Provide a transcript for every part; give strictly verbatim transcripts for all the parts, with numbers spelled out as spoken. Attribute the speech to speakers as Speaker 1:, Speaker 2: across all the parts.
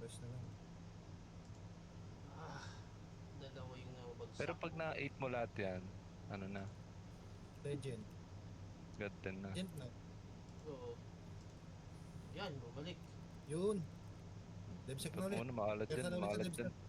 Speaker 1: Refresh na lang.
Speaker 2: Ah, dalawa yung nababagsak.
Speaker 3: Pero pag na-eight mo lahat yan, ano na,
Speaker 1: Legend.
Speaker 3: God ten na.
Speaker 1: Legend na.
Speaker 2: Oo. Yan, bumalik.
Speaker 1: Yun. Devsec na
Speaker 3: Ipag
Speaker 1: ulit.
Speaker 3: mo na, makalat
Speaker 1: Kaya
Speaker 3: yan,
Speaker 1: na ulit sa
Speaker 3: makalat
Speaker 1: Devsec.
Speaker 3: yan.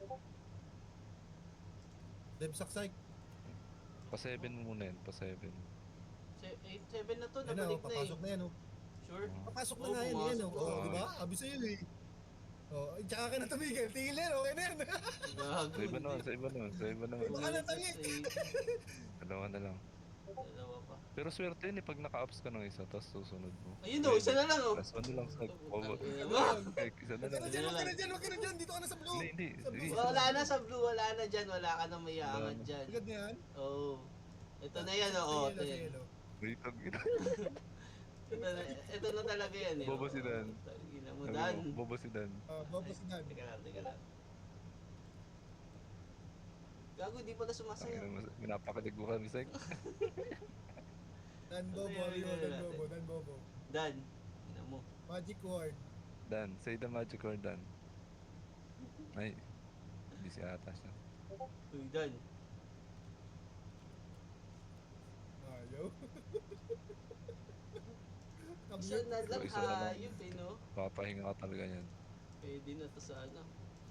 Speaker 1: Devsec side.
Speaker 3: Pa seven mo muna yan, pa seven.
Speaker 2: eight seven na to,
Speaker 1: Yan na,
Speaker 2: nabalik
Speaker 1: oh,
Speaker 2: na eh.
Speaker 1: papasok na yan, oh.
Speaker 2: Sure?
Speaker 1: Papasok na
Speaker 2: Oo,
Speaker 1: nga yan, yan,
Speaker 2: pumasok
Speaker 1: oh.
Speaker 2: na.
Speaker 1: Oh,
Speaker 3: Oo.
Speaker 1: di ba? Abi sa'yo, eh. Oh, ay, tsaka ka na tumigil. Tigil yan, okay na yan.
Speaker 2: Gago.
Speaker 3: Sa iba naman,
Speaker 2: hindi.
Speaker 3: sa iba naman, sa iba naman.
Speaker 1: Baka nang tangi.
Speaker 3: Dalawa na lang.
Speaker 2: Dalawa pa.
Speaker 3: Pero swerte yun eh, pag naka-ups ka ng isa, tapos susunod mo.
Speaker 2: Ayun o, isa na lang oh.
Speaker 3: Last one na lang sa cover.
Speaker 2: Tangina mo.
Speaker 3: Okay, isa na
Speaker 1: Huwag ka
Speaker 3: lang.
Speaker 1: na dyan, huwag ka na dyan, huwag ka na dyan. Dito ka na sa blue.
Speaker 3: Hindi, hindi.
Speaker 1: Sa blue.
Speaker 3: Sige.
Speaker 2: Wala na sa blue, wala na dyan, wala ka na may aangat
Speaker 3: Wala na.
Speaker 2: dyan.
Speaker 1: Agad na yan.
Speaker 2: Oo. Ito na yan,
Speaker 1: Sa
Speaker 2: oo.
Speaker 1: yellow,
Speaker 2: Ito
Speaker 1: sa
Speaker 2: yan.
Speaker 1: yellow.
Speaker 3: Wait, tag ina.
Speaker 2: Ito na, ito na talaga yan eh.
Speaker 3: Bobo si Dan.
Speaker 2: Tangina mo, Dan.
Speaker 3: Bobo si Dan.
Speaker 1: Ah, Bobo si Dan.
Speaker 2: Teka lang, teka lang. Gago, di pala
Speaker 3: Ang
Speaker 2: sumasayaw.
Speaker 3: ina mo, pinapakalig mo kami, Sek.
Speaker 1: Dan Bobo,
Speaker 2: Ano yun,
Speaker 1: ayun,
Speaker 2: yun
Speaker 1: Dan
Speaker 2: natin?
Speaker 1: Bobo, Dan Bobo.
Speaker 2: Dan. Ina mo.
Speaker 1: Magic word.
Speaker 3: Dan, say the magic word, Dan. Ay, hindi si ata siya.
Speaker 2: Uy, Dan.
Speaker 1: Ayaw.
Speaker 2: Isa na lang,
Speaker 3: Isa na lang.
Speaker 2: hayop eh, no?
Speaker 3: Papahinga ka talaga yan.
Speaker 2: Pwede na to sa ano.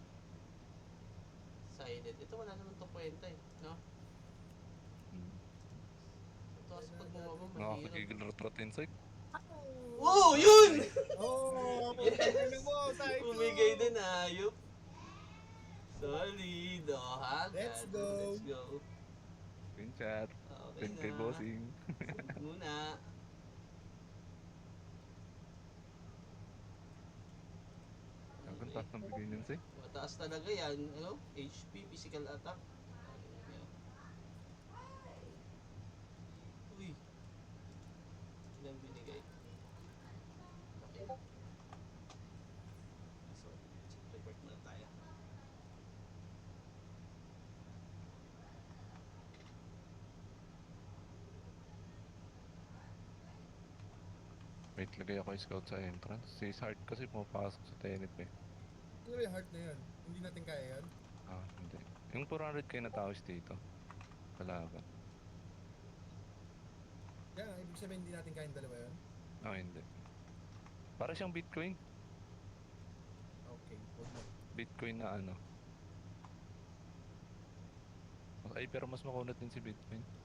Speaker 2: Silent. Ito wala naman to kwenta eh, no?
Speaker 3: Hmm.
Speaker 2: Ito kasi pag bumaba, mahirap.
Speaker 3: Nakakagigil rot-rotin, Sek.
Speaker 2: Wow, yun!
Speaker 1: Oh,
Speaker 2: Yes!
Speaker 1: pagkakalala mo, Cyclone.
Speaker 2: Bumigay din, hayop. Solid, oh, ha?
Speaker 1: Let's
Speaker 2: God,
Speaker 1: go.
Speaker 2: Let's go.
Speaker 3: Screenshot.
Speaker 2: Okay
Speaker 3: Send kay
Speaker 2: na.
Speaker 3: bossing.
Speaker 2: Send muna.
Speaker 3: Ang ganda ng bigay niyan, Sek.
Speaker 2: Mataas talaga yan, ano? H P, physical attack. Uy. Ilang binigay? Okay. So, report muna tayo.
Speaker 3: Wait, lagay ako yung scout sa entrance. Si Sart kasi pumapasok sa tenit eh.
Speaker 1: Ano yung heart na yan? Hindi natin kaya yan?
Speaker 3: Ah, hindi. Yung four hundred kayo na tao dito. Kalaban.
Speaker 1: Kaya nga, ibig sabihin hindi natin kaya yung dalawa yan?
Speaker 3: Ah, hindi. Para siyang Bitcoin.
Speaker 1: Okay, huwag mo.
Speaker 3: Bitcoin na ano. Ay, pero mas makunat din si Bitcoin.